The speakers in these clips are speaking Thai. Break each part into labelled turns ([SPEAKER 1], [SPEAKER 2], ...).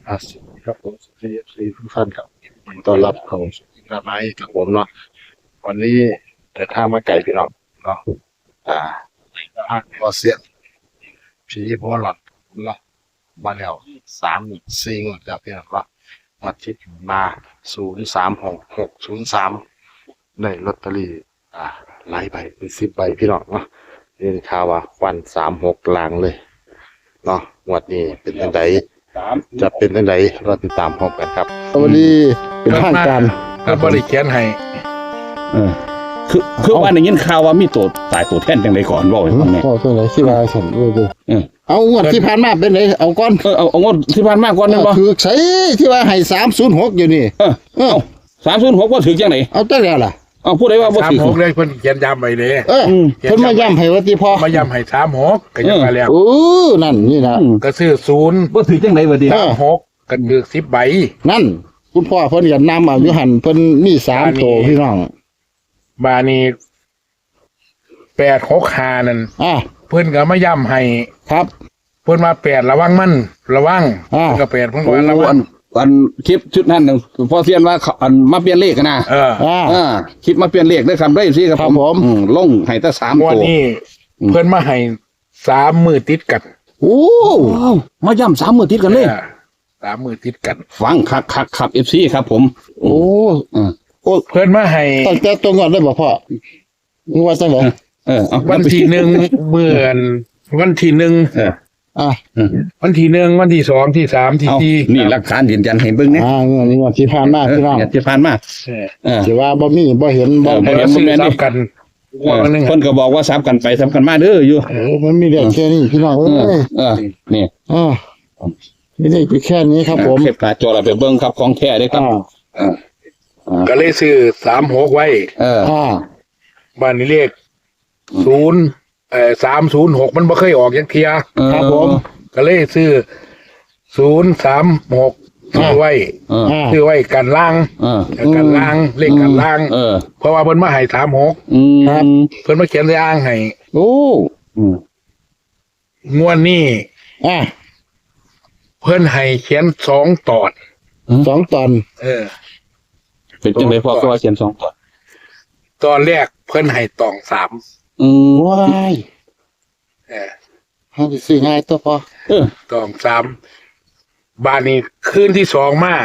[SPEAKER 1] สวัสดีครับผมสวัสดีทุกท่านครับต้อนรับเข้าสู่กระไม้กับผมเนาะวันนี้เดินทางมาไกลพี่น้องเนาะอ่าทางพอเสียนผีพอหลอดเนาะมาแล้ว3-4งวดแล้วพี่น้องเนาะมาทิศมา036-603ได้ลอตเตอรี่หลายใบเป็น10 ใบพี่น้องเนาะนี่ข่าวว่าวัน36ลางเลยเนาะงวดนี้เป็นจังไดจะเป็นจังไดเราติดตามพร้อมกันครับวันนี้เป็นทางการ
[SPEAKER 2] ก็บริเขียนให้
[SPEAKER 3] เออคือว่าได้ยินข่าวว่ามีตัวตายตัวแทนจังไดก่อนบ่ให้ฟังแหน่
[SPEAKER 1] ก็ตัวไหนที่ว่าฉันรู้ดู
[SPEAKER 3] เออ
[SPEAKER 1] เอางวดที่ผ่านมาเป็นไหนเอาก่อน
[SPEAKER 3] เอางดที่ผ่านมาก่อนแม่นบ่
[SPEAKER 1] คือใช้ที่ว่าให้306อยู่นี่
[SPEAKER 3] เอา306บ่ถึกจังได๋
[SPEAKER 1] เอาแต่แล้วล่ะ
[SPEAKER 3] เอาผู้ใดว่าบ่ถึก
[SPEAKER 2] 36เลยเพิ่นเขียนย้ำไว้เลย
[SPEAKER 1] เพิ่นมาย้ำให้ว่าที่พอ
[SPEAKER 2] มาย้ำให้36ก็ยังมาแล้ว
[SPEAKER 1] นั่นนี่นะ
[SPEAKER 2] ก็ซื้อ0
[SPEAKER 3] บ่ถึกจังได๋บ่ดิ
[SPEAKER 2] 36ก็ถือ10 ใบ
[SPEAKER 1] นั่นคุณพ่อเพิ่นก็นำเอาอยู่หั่นเพิ่นมี3โตพี่น้อง
[SPEAKER 2] บานี้865นั่น เพิ่นก็มาย้ำให้
[SPEAKER 1] ครับ
[SPEAKER 2] เพิ่นมา8ระวังมันระวังเพิ่นก็8เพิ่นก็ว่าระวั
[SPEAKER 3] อั
[SPEAKER 2] ง
[SPEAKER 3] นคลิปชุดนั้นน่ะพอเซียนว่าอันมาเปลี่ยนเลขนะ คลิปมาเปลี่ยนเลขได้ครับได้สิครับผมลงให้แต่3
[SPEAKER 2] วัน
[SPEAKER 3] ตัว
[SPEAKER 2] นี้เพิ่นมาให้3มื้อติดกัน
[SPEAKER 1] โอ้
[SPEAKER 3] มาย่ำ3มื้อติดกันเลย
[SPEAKER 2] 3มื้อติดกัน
[SPEAKER 3] ฟังคักครับ FC ครับผม
[SPEAKER 1] โอ้
[SPEAKER 2] เพิ่นมาให้
[SPEAKER 1] ตั้งแต่ตัวก่อนได้บ่พ่อว่าจังได๋
[SPEAKER 2] วันที่1มื้อวันที่1 วันที่1วันที่2ที่3ที่
[SPEAKER 3] เอา
[SPEAKER 2] 4
[SPEAKER 3] นี่หลักฐานยืนยันให้เบิ่งนะ
[SPEAKER 1] นี่งวดที่ผ่านมาพี่น้อง
[SPEAKER 3] เนี่ยที่ผ่านมา
[SPEAKER 1] สิว่าบ่มีบ่เห็นบ่
[SPEAKER 2] เพิ่นซื้อซับกันวันนึง
[SPEAKER 3] เพิ่นก็บอกว่าซับกันไปซับกันมาเด้ออยู่
[SPEAKER 1] มันมีเรื่องแค่นี้พี่น้องเอ้ย
[SPEAKER 3] นี่
[SPEAKER 1] นี่ได้แค่นี้ครับผม
[SPEAKER 3] เก็บหน้าจอเราไปเบิ่งครับของแท้เด้อครับ
[SPEAKER 2] ก็เลยซื้อ36ไว้บ้านนี้เลข306มันบ่เคยออกจักเที่ย
[SPEAKER 1] ครับผม
[SPEAKER 2] ก็เลยซื้อ036ซื้อไว้กันล่างกันล่างเลขกันล่างเพราะว่าเพิ่นมาให้36
[SPEAKER 1] ครับ
[SPEAKER 2] เพิ่นมาเขียนในอ่างให้
[SPEAKER 1] โอ้
[SPEAKER 2] งวดนี้เพิ่นให้เขียน2ตอน
[SPEAKER 1] 2 ตอน
[SPEAKER 3] เป็นจังได๋พ่อก็ว่าเขียน2ตัว
[SPEAKER 2] ตอนแรกเพิ่นให้ตอง3
[SPEAKER 1] ว้ายเฮาสิซื้อง่ายตัวพอ
[SPEAKER 2] ตอง3บ้านนี้คืนที่2มา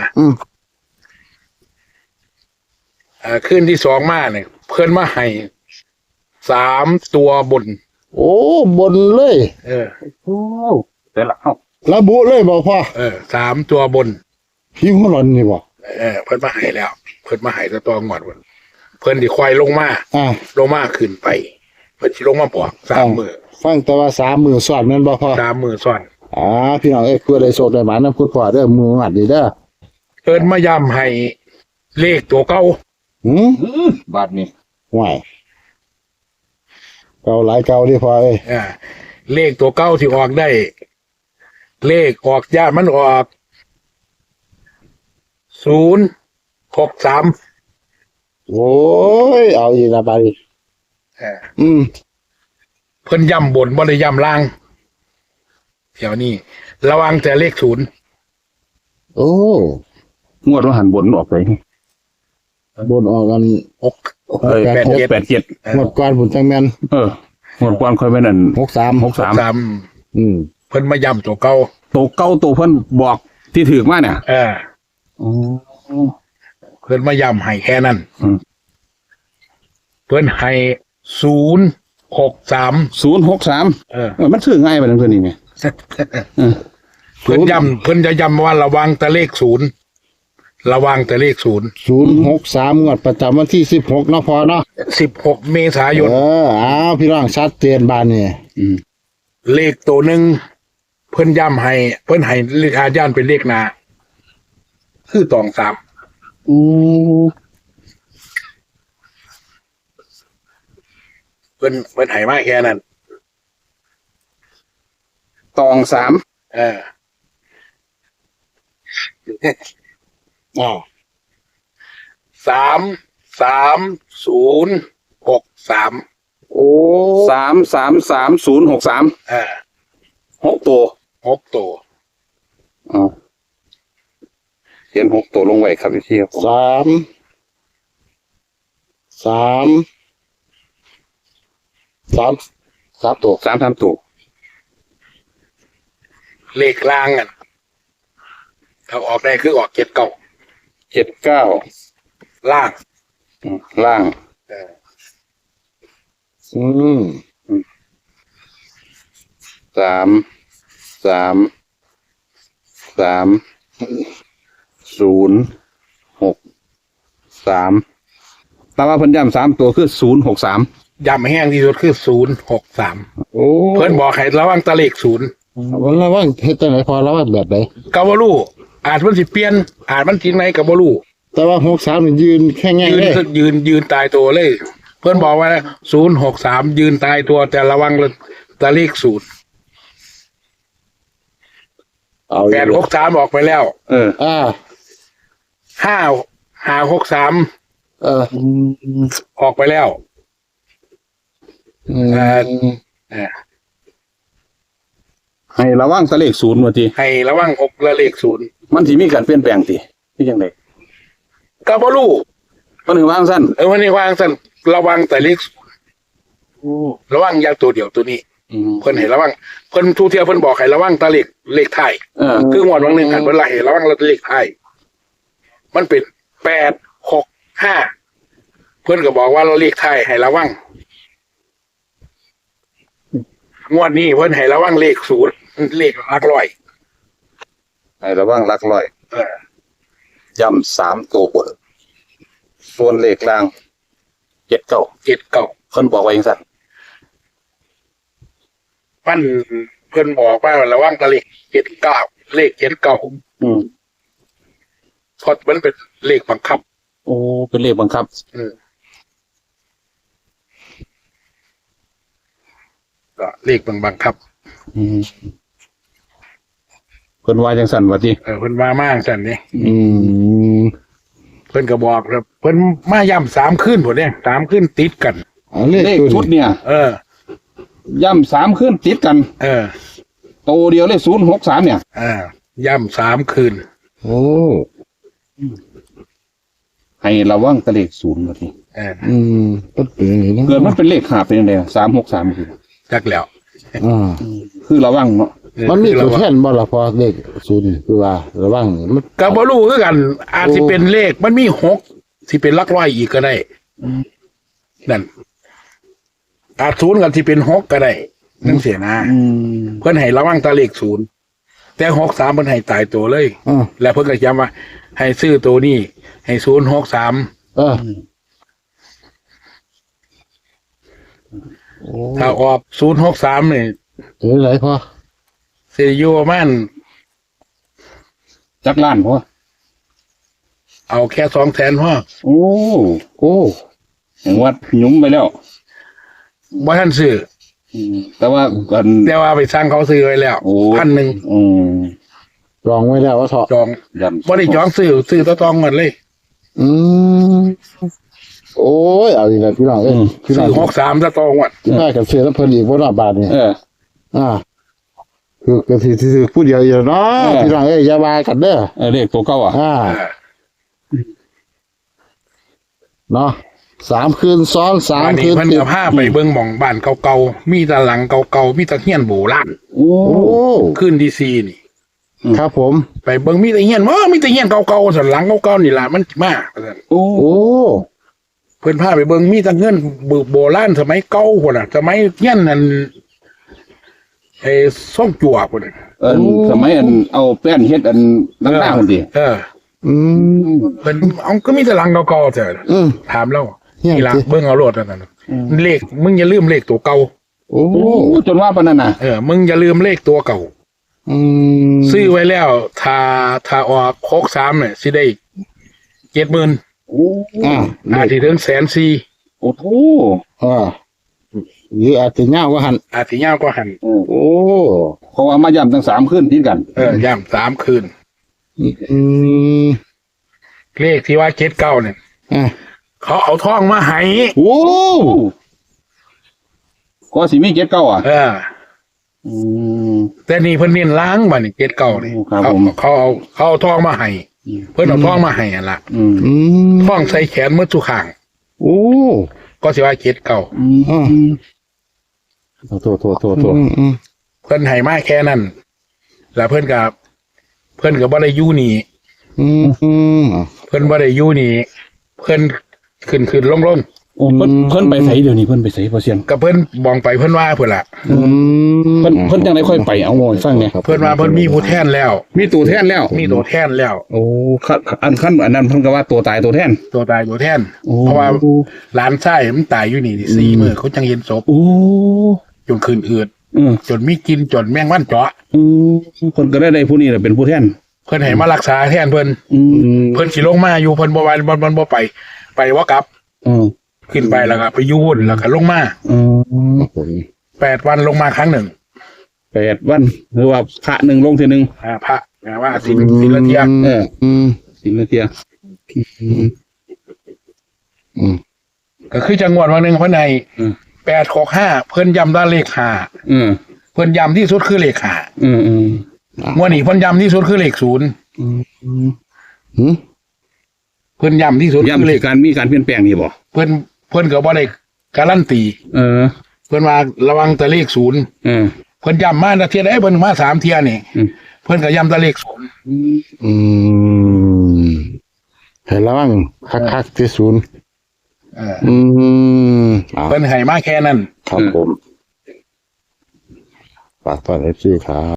[SPEAKER 2] คืนที่2มาเนี่ยเพิ่นมาให้3ตัวบน
[SPEAKER 1] โอ้บนเลย
[SPEAKER 3] โอ้แต่ละเฮา
[SPEAKER 1] ระบุเลยบ่พ่อ
[SPEAKER 2] 3ตัวบน
[SPEAKER 1] พี่หัวหลอนนี่บ่
[SPEAKER 2] เพิ่นมาให้แล้ว เพิ่นมาให้ตะตองอดวันเพิ่นสิควายลงมาขึ้นไปเพิ่นสิลงมาบอก3มื้อ
[SPEAKER 1] ฟังแต่ว่า3มื้อซ้อนแม่นบ่พ่อ
[SPEAKER 2] 3มื้อซ้อน
[SPEAKER 1] พี่น้องเอ้ยเพื่อได้โชคได้หมานำคุณพ่อเด้อมื้องัดนี่เด้อ
[SPEAKER 2] เพิ่นมาย้ำให้เลขตัวเก่า
[SPEAKER 3] บาดนี้
[SPEAKER 1] ห่วยเก่าหลายเก่าดิพ่อเอ้ย
[SPEAKER 2] เลขตัวเก่าที่ออกได้ เลขออกญาติมันออก063
[SPEAKER 1] โอ้ยเอาอีกละบาดนี้
[SPEAKER 2] เพิ่นย้ำบนบ่ได้ย้ำล่างเดี๋ยวนี้ระวังแต่เลข0
[SPEAKER 1] โอ้
[SPEAKER 3] งวดว่าหันบนออกไป
[SPEAKER 1] บนออกกัน
[SPEAKER 3] 687
[SPEAKER 1] หมดก่อนบุญจังแม่น
[SPEAKER 3] งวดก่อนค่อยไปนั่น
[SPEAKER 1] 63
[SPEAKER 2] เพิ่นมาย้ำตัวเก่า
[SPEAKER 3] ตัวเก่าตัวเพิ่นบอกที่ถูกมาเนี่ย
[SPEAKER 2] เพิ่นมาย้ำให้แค่นั้นเพิ่นให้063
[SPEAKER 3] มันซื้อง่ายไปนั่นเพิ่นนี่ไง
[SPEAKER 2] เพิ่นจะย้ำว่าระวังแต่เลข0ระวังแต่เลข
[SPEAKER 1] 063งวดประจำวันที่16เนาะพอเนาะ
[SPEAKER 2] 16เมษายน
[SPEAKER 1] พี่น้องชัดเจนบานนี่
[SPEAKER 2] เลขตัวหนึ่งเพิ่นย้ำให้เพิ่นให้เลขอาญานเป็นเลขหน้าคือตอง3เพิ่นให้มาแค่นั้น
[SPEAKER 3] ตอง3
[SPEAKER 2] 33063
[SPEAKER 3] โอ้3333063 6 ตัว
[SPEAKER 2] 6 ตัว
[SPEAKER 3] ขียน6ตัวลงไว้ครับพี่ครับผม
[SPEAKER 1] สามสามตัว
[SPEAKER 3] 3ตัว
[SPEAKER 2] เลขล่างกันถ้าออกได้คือออกเจ็ดเก่า
[SPEAKER 3] 79
[SPEAKER 2] ล่าง
[SPEAKER 3] ล่าง
[SPEAKER 1] อืม
[SPEAKER 3] 3 แต่ว่าเพิ่นย้ำ3ตัวคือ063
[SPEAKER 2] ย้ำแห้งที่สุดคือ063
[SPEAKER 1] โอ้
[SPEAKER 2] เพิ่นบอกให้ระวังตะเลขศูนย์
[SPEAKER 1] วันละว่างเฮ็ดจังไหนพอแล้วว่าแบบไหน
[SPEAKER 2] กาวาลูอาจมันสิเปลี่ยนอาจมันทิ้งไหนกาวาลู
[SPEAKER 1] แต่ว่า63นี่ยืนแค่แง่
[SPEAKER 2] ยืน
[SPEAKER 1] เลย
[SPEAKER 2] ยืนตายตัวเลย เพื่อนบอกว่า063ยืนตายตัวแต่ระวังตะเลขศูนย์
[SPEAKER 1] เอาอยู่
[SPEAKER 2] 863ออกไปแล้ว
[SPEAKER 1] อ่า
[SPEAKER 2] 563
[SPEAKER 1] เออ
[SPEAKER 2] ออกไปแล้ว
[SPEAKER 1] อืม
[SPEAKER 2] เอ่อ
[SPEAKER 3] ให้ระวังตะเลข0ว่าติ
[SPEAKER 2] ให้ระวัง6และเลขศูนย์
[SPEAKER 3] มันสิมีการเปลี่ยนแปลงติที่จังได๋
[SPEAKER 2] กาวาลู
[SPEAKER 3] เพิ่นถึงวางซั่น
[SPEAKER 2] วันนี้วางสั่นระวังแต่เลขศูนย์ระวังอยางตัวเดียวตัวนี้ เพิ่นให้ระวังเพิ่นทุกเที่ยวเพิ่นบอกให้ระวังตะเลขไทาย คืองวดวันหนึ่งหันเวลาเห็นระวังเราเลขไทายมันเป็น865เพื่อนก็บอกว่าเราเลขไทายให้ระวังงวดนี้เพื่อนให้ระวังเลขศูนย์เลขหลักร้อย
[SPEAKER 3] ให้ระวังหลักร้อย ย้ำ3ตัวบนส่วนเลขล่าง79
[SPEAKER 2] เจ็ดเก่า
[SPEAKER 3] เพิ่นบอกไว้จังซั่น
[SPEAKER 2] ปั้นเพื่อนบอกว่าระวังตะเลข79เลข79เพราะมันเป็นเลขบังคับ
[SPEAKER 3] โอ้เป็นเลขบังคับ
[SPEAKER 2] ก็เลขบังคับ
[SPEAKER 3] เพิ่นว่าจังซั่นว่าติ
[SPEAKER 2] เพิ่นว่ามากสั่นนี่
[SPEAKER 1] อืม
[SPEAKER 2] เพิ่นก็บอกครับเพิ่นมาย่ำ3คืนพุ่นเนี่ย3คืนติดกัน
[SPEAKER 1] เอาเลข
[SPEAKER 3] เลข
[SPEAKER 1] ตัว
[SPEAKER 3] ชุด
[SPEAKER 1] นี้
[SPEAKER 3] เนี่ย ย่ำ3คืนติดกัน โตเดียวเลข063เนี่ย
[SPEAKER 2] ย่ำ3คืน
[SPEAKER 1] โอ้
[SPEAKER 3] ให้ระวังตะเลข0ว่าติ
[SPEAKER 1] อืมก็เป็นอย่างนี้นะ
[SPEAKER 3] เกิดมันเป็นเลข5เป็นจังได๋363คือ
[SPEAKER 2] จักแล้ว
[SPEAKER 1] อ่า
[SPEAKER 3] คือระวังเนาะ
[SPEAKER 1] มันมีตัวแทนบ่ล่ะพอเลขศูนย์คือว่าระวังนี่มัน
[SPEAKER 2] ก็บ่รู้คือกัน อาจสิเป็นเลขมันมี6สิเป็นหลักร้อยอีกก็ได้นั่นอาจศูนย์กันสิเป็น6ก็ได้นั่นเสียนะเพิ่นให้ระวังตาเลข0แต่63เพิ่นให้ตายตัวเลย แล้วเพิ่นก็ย้ำว่า ให้ซื้อตัวนี้ให้063
[SPEAKER 1] เออโอ้
[SPEAKER 2] ถ้าออก063นี่
[SPEAKER 1] ถึงไหนพอ
[SPEAKER 2] สิอยู่ประมาณ
[SPEAKER 3] จักล้านพอ
[SPEAKER 2] เอาแค่200,000พอ
[SPEAKER 3] โอ้
[SPEAKER 1] โอ้
[SPEAKER 3] อย่างว่าหยุ้มไปแล้ว
[SPEAKER 2] บ่ทันซื้อ
[SPEAKER 3] แต่ว่ากัน
[SPEAKER 2] แต่ว่าไปสร้างเขาซื้อไว้แล้ว
[SPEAKER 3] โอ้
[SPEAKER 2] 1,000
[SPEAKER 3] อืม
[SPEAKER 1] ลองไว้แล้วว่าเถาะ
[SPEAKER 2] จอง
[SPEAKER 3] ย่ำ
[SPEAKER 2] บ่ได้จองซื้อต่อตองกันเลย
[SPEAKER 1] อืมโอ้ยเอาอีกแล้วพี่น้องเอ้ยพี่น้
[SPEAKER 2] ซื้
[SPEAKER 1] อง
[SPEAKER 2] อ63ต่อตองวัน
[SPEAKER 1] ที่ได้กับเสือแล้วเพิ่นอีกบ่รอบบาทนี่ อ่าคือก็สิผู้เดียวอยู่เนาะพี่น้องเอ้ยอย่าว่ากันเด้อ
[SPEAKER 3] เลขตัวเก่าอ่ะ
[SPEAKER 1] เนาะ3 คืนซ้อน
[SPEAKER 2] อัน
[SPEAKER 1] 3 คื
[SPEAKER 2] นี้
[SPEAKER 1] น
[SPEAKER 2] เพิ่น
[SPEAKER 1] ติด
[SPEAKER 2] จะพาไปเบิ่งหม่องบ้านเก่าๆมีแตะหลังเก่าๆมีแตะเฮียนโบราณ
[SPEAKER 3] โอ้
[SPEAKER 1] โอ้
[SPEAKER 2] ขึ้นดีซีนี่
[SPEAKER 1] ครับผม
[SPEAKER 2] ไปเบิ่งมีแต่เฮียนมีแต่เฮียนเก่าๆสันหลังเก่าๆนี่ล่ะมันมาว่าซั่น
[SPEAKER 3] โอ้
[SPEAKER 1] โอ้
[SPEAKER 2] เพิ่นพาไปเบิ่งมีแต่เงินโบราณสมัยเก่าพุ่นน่ะสมัยเฮียนนั่นซ่องจั่วพุ่นน่ะ
[SPEAKER 3] สมัยเอาแป้นเฮ็ดต่างๆคนดิ
[SPEAKER 1] อืม
[SPEAKER 2] เพิ่นเอาก็มีแต่หลังเก่าๆเถอะ
[SPEAKER 1] อืม
[SPEAKER 2] ถามแล้ว
[SPEAKER 1] เฮียน
[SPEAKER 2] นี่ล่ะ
[SPEAKER 1] สิ
[SPEAKER 2] เบิ่งเอาโลดนั่นน่ะเลขมึงอย่าลืมเลขตัวเก่า
[SPEAKER 1] โอ้
[SPEAKER 3] โอ้จนว่าปานนั้นน่ะ
[SPEAKER 2] มึงอย่าลืมเลขตัวเก่า
[SPEAKER 1] อืม
[SPEAKER 2] ซื้อไว้แล้วถ้าออก63เนี่ยสิได้ 70,000
[SPEAKER 3] โอ้
[SPEAKER 2] อาจสิถึง140,000
[SPEAKER 3] โอ้โห
[SPEAKER 1] หรืออาจจะยาวกว่าหั่น
[SPEAKER 2] อาจสิยาวกว่าหัน
[SPEAKER 1] โอ้
[SPEAKER 3] เพราะว่ามาย่ำทั้ง3คืนติดกัน
[SPEAKER 2] ย่ำ3คืน
[SPEAKER 1] อืม
[SPEAKER 2] เลขที่ว่า79เนี่ย
[SPEAKER 1] อ่ะ
[SPEAKER 2] เขาเอาทองมาให้
[SPEAKER 1] โอ้
[SPEAKER 3] ก็สิมี79อ่ะอืม
[SPEAKER 2] แต่นี่เพิ่นเน้นล้างบัดนี่79นี่
[SPEAKER 3] ครับ
[SPEAKER 2] เขา
[SPEAKER 3] ผม
[SPEAKER 2] เขาเอาทองมาให้เพิ่นเอาทองมาให้อ่ะล่ะ
[SPEAKER 3] อืม
[SPEAKER 1] อืม
[SPEAKER 2] ทองใส่แขนมือทุกข้าง
[SPEAKER 1] โอ้
[SPEAKER 2] ก็สิว่าเจ็ดเก่า
[SPEAKER 3] อืมโทษ
[SPEAKER 1] อืม
[SPEAKER 2] เพิ่นให้มาแค่นั้นแล้วเพิ่นก็บ่ได้อยู่นี่
[SPEAKER 1] อืม
[SPEAKER 2] เพิ่นบ่ได้อยู่นี่เพิ่นขึ้นลง
[SPEAKER 3] โอ้เพิ่นไปไสเดี๋ยวนี้เพิ่นไปไสพอเสียน
[SPEAKER 2] ก็เพิ่นมองไปเพิ่นว่าเพิ่นล่ะ
[SPEAKER 1] อืม
[SPEAKER 3] เพิ่นจังได๋ค่อยไปเอาโง่ให้ฟังเนี่ย
[SPEAKER 2] เพิ่นว่าเพิ่นมีผู้แทนแล้ว
[SPEAKER 3] มีตัวแทนแล้ว
[SPEAKER 2] มีตัวแทนแล้ว
[SPEAKER 3] โอ้อันนั้นเพิ่นก็ว่าตัวตายตัวแทน
[SPEAKER 2] ตัวตายตัวแทน
[SPEAKER 3] โอ้
[SPEAKER 2] เพราะว่าหลานชายมันตายอยู่นี่4มื้อเขาจังเห็นศพ
[SPEAKER 3] โอ้
[SPEAKER 2] จนขึ้นอืด
[SPEAKER 3] อืม
[SPEAKER 2] จนมีกินจนแมงวันเจาะ
[SPEAKER 3] เพิ่นก็ได้ผู้นี้แหละเป็นผู้แทน
[SPEAKER 2] เพิ่นให้มารักษาแทนเพิ่น
[SPEAKER 3] อืม
[SPEAKER 2] เพิ่นสิลงมาอยู่เพิ่นบ่ว่าบ่ไปว่ากลับ
[SPEAKER 3] อืม
[SPEAKER 2] ขึ้นไปแล้วก็ไปอยู่หุ่นแล้วก็ลงมา
[SPEAKER 3] อืม
[SPEAKER 2] 8 วันลงมาครั้งหนึ่ง
[SPEAKER 3] 8 วันหรือว่าพระหนึ่งลงทีหนึ่ง
[SPEAKER 2] พระว่าศิลเทีย
[SPEAKER 3] เออ
[SPEAKER 1] อืม
[SPEAKER 3] สิงห์เทีย
[SPEAKER 1] อืม
[SPEAKER 2] ก็คือจังหวัดวันหนึ่งเพิ่นให้865เพิ่นย้ำได้เลข5
[SPEAKER 3] อืม
[SPEAKER 2] เพิ่นย้ำที่สุดคือเลข
[SPEAKER 3] อืม
[SPEAKER 2] 5งวดนี้เพิ่นย้ำที่สุดคือเลข0
[SPEAKER 1] อืม
[SPEAKER 2] เพิ่นย้ำที่สุดคือ
[SPEAKER 3] ย้ำ
[SPEAKER 2] เล
[SPEAKER 3] ที่
[SPEAKER 2] ข
[SPEAKER 3] การมีการเปลี่ยนแปลงนี่บ่
[SPEAKER 2] เพิ่นก็บ่ได้การันตี
[SPEAKER 3] เออ
[SPEAKER 2] เพิ่นว่าระวังแต่เลข0
[SPEAKER 3] เออ
[SPEAKER 2] เพิ่นย้ำมาเที่ยใดเพิ่นมา3เที่ยนี่
[SPEAKER 3] อืม
[SPEAKER 2] เพิ่นก็ย้ำแต่เลข0
[SPEAKER 1] อืมให้ระวังคักๆที่ศูนย์ อืม
[SPEAKER 2] เพิ่นให้มาแค่นั้น
[SPEAKER 1] ครับผมฝากตอนเอฟซีครับ